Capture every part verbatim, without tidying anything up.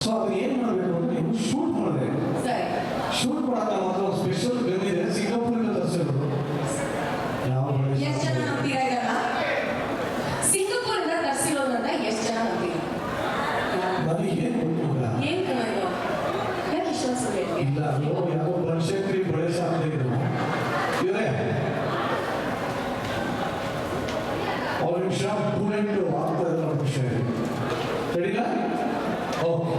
ಸೊ ಅದು ಏನು ಮಾಡಬೇಕು ಅಂದ್ರೆ ನೀವು ಶೂಟ್ ಮಾಡಿದೆ ಶೂಟ್ ಮಾಡಕ್ಕೆ ಮಾತ್ರ ಒಂದು ಸ್ಪೆಷಲ್ ಬಂದಿದೆ ಸಿಂಗಾಪುರಿಂದ ತರಿಸಿರೋದು. ಯಾವ ಎಷ್ಟು ಜನ ನಂಬ್ತೀರಾ ಇದನ್ನ? ಸಿಂಗಾಪುರಿಂದ ತರಿಸಿರೋದನ್ನ ಎಷ್ಟು ಜನ ನಂಬ್ತೀರಾ? ನನಗೆ ಏನು ಗೊತ್ತಿಲ್ಲ. ಏನು ಕಣ ಇದು? ಯಾಕೆ ಇಷ್ಟೊಂದು ಸುಳ್ಳು ಹೇಳ್ತೀಯ? ಇಲ್ಲ ಅದು ಯಾವ ಬನಶಂಕರಿ ಬಳೆ ಸಾಧ್ಯ ಇದ್ರು ಇವರೇ ಅವ್ರ ನಿಮಿಷ ಪೂರೆಂಟು ಆಗ್ತಾ ಇದ್ದಾರೆ ನಿಮಿಷ ಸರಿನಾ? Okay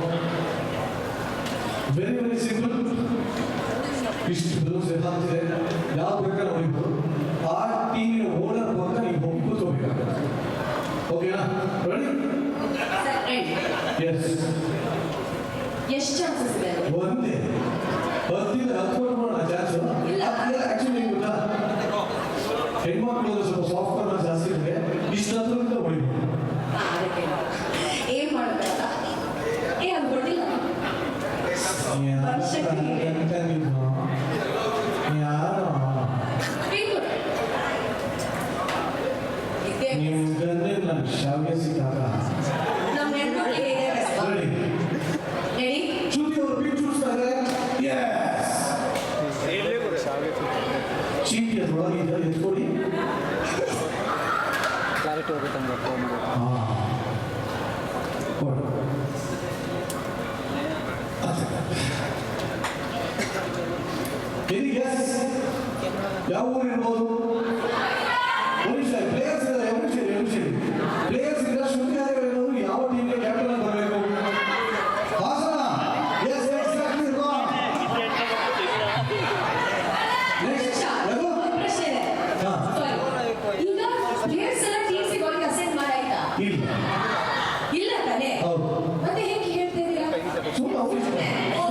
very very simple. ಇಷ್ಟು ಬ್ಲೌಸ್ ಹಾಕ್ತಿದೆ ಯಾವ ಬೇಕಾದ್ರೆ ಹೊಡಿಬೋದು. ಆ ಟೀಮಿನ ಓನರ್ ಪಕ್ಕ ನೀವು ಹೋಗಿ ಕೂತ್ಕೋಬೇಕಾಗುತ್ತೆ. ಓಕೆನಾ? ರೆಡಿ? ಎಸ್. ಎಷ್ಟು ಚಾನ್ಸಸ್ ಇದೆ? ಒಂದೇ ಹತ್ತಿಂದ ಹತ್ಕೊಂಡು ಮಾಡೋಣ ಚಾನ್ಸ್. ಆಕ್ಚುಲಿ ಗೊತ್ತಾ ಹೆಣ್ಮಕ್ಳು ಸ್ವಲ್ಪ ಸಾಫ್ಟ್ ಕಾರ್ನರ್ ಜಾಸ್ತಿ ಇದೆ. ಇಷ್ಟು ಹತ್ರದಿಂದ ಹೊಡಿಬೋದು. ಏನ್ ಮಾಡಬೇಕ? ಏ ಅದು ಗೊತ್ತಿಲ್ಲ. ಯಾರು ನಿಮ್ಗಂದ್ರೆ ನನ್ನ ಶಾವಿಗೆ ಸಿಕ್ಕಾಗ ನಮ್ಮ ಹೆಣ್ಮಕ್ಳಿಗೆ ಹೇಗೆ ರೆಡಿ ರೆಡಿ ಚೂತಿ ಅವರು ಬಿಟ್ಟು ಚೂಸ್ತಾರೆ. ಎಸ್ ಚೀಟಿ ಅದ್ರೊಳಗೆ ಇದ್ದಲ್ಲಿ ಎತ್ಕೊಡಿ. ಕ್ಲಾರಿಟಿ ಹೋಗುತ್ತಂಗೆ ಫೋನ್ ಹಾಂ ಕೊಡು. ಎಸ್ ಯಾವ ಊರು ಇರ್ಬೋದು? ಒರಿಷಾ ಪ್ಲೇಯರ್ಸ್ ಇದ್ದಾರೆ. M C M C players ಇದ್ದಾರೆ. ಶೃಂಗೇರಿ ಹೇಳೋರು ಯಾವ ಟೀಮ್ಗೆ ಕ್ಯಾಪ್ಟನ್ ಆಗಿ ಬರಬೇಕು? Hassan. Yes exactly wrong. Next ಯಾರು? ಪ್ರಶ್ನೆ ಇದೆ. ಹಾಂ ಈಗ ಪ್ಲೇಯರ್ಸ್ ಎಲ್ಲ ಟೀಮ್ಸಿಗೆ ಹೋಗಿ ಅಸೈನ್ ಮಾಡಾಯ್ತಾ? ಇಲ್ಲ ಇಲ್ಲ ತಾನೇ? ಹೌದು ಮತ್ತೆ ಹೇಗೆ ಹೇಳ್ತಾ ಇದ್ದೀರಾ? ಸುಮ್ಮನೆ